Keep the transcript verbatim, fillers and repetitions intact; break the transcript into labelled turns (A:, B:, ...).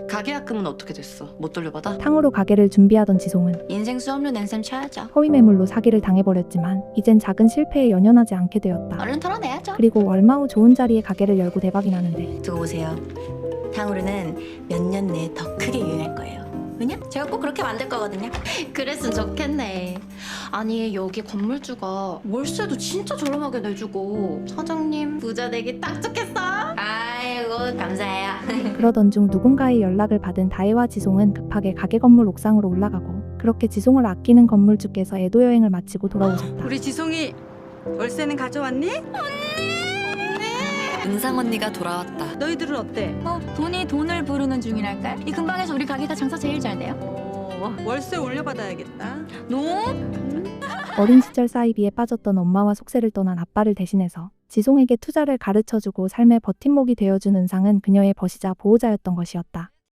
A: 가계약금은 어떻게 됐어? 못 돌려받아?
B: 탕후루 가게를 준비하던 지송은
A: 인생 수업료 낸 셈 쳐야죠.
B: 허위 매물로 사기를 당해버렸지만 이젠 작은 실패에 연연하지 않게 되었다.
A: 얼른 털어내야죠.
B: 그리고 얼마 후 좋은 자리에 가게를 열고 대박이 나는데
A: 두고 보세요. 탕후루는 몇 년 내에 더 크게 유행할 거예요. 왜냐? 제가 꼭 그렇게 만들 거거든요. 그랬으면 좋겠네. 아니 여기 건물주가 월세도 진짜 저렴하게 내주고 사장님 부자 되기 딱 좋겠어. 아이고 감사해요.
B: 그러던 중 누군가의 연락을 받은 다혜와 지송은 급하게 가게 건물 옥상으로 올라가고 그렇게 지송을 아끼는 건물주께서 애도 여행을 마치고 돌아오셨다.
C: 우리 지송이 월세는 가져왔니?
D: 은상 언니가 돌아왔다.
C: 너희들은 어때?
E: 어, 돈이 돈을 부르는 중이랄까? 이 근방에서 우리 가게가 장사 제일 잘 돼요.
C: 어, 월세 올려받아야겠다.
E: 노?
B: 어린 시절 사이비에 빠졌던 엄마와 속세를 떠난 아빠를 대신해서 지송에게 투자를 가르쳐주고 삶의 버팀목이 되어준 은상은 그녀의 버시자 보호자였던 것이었다.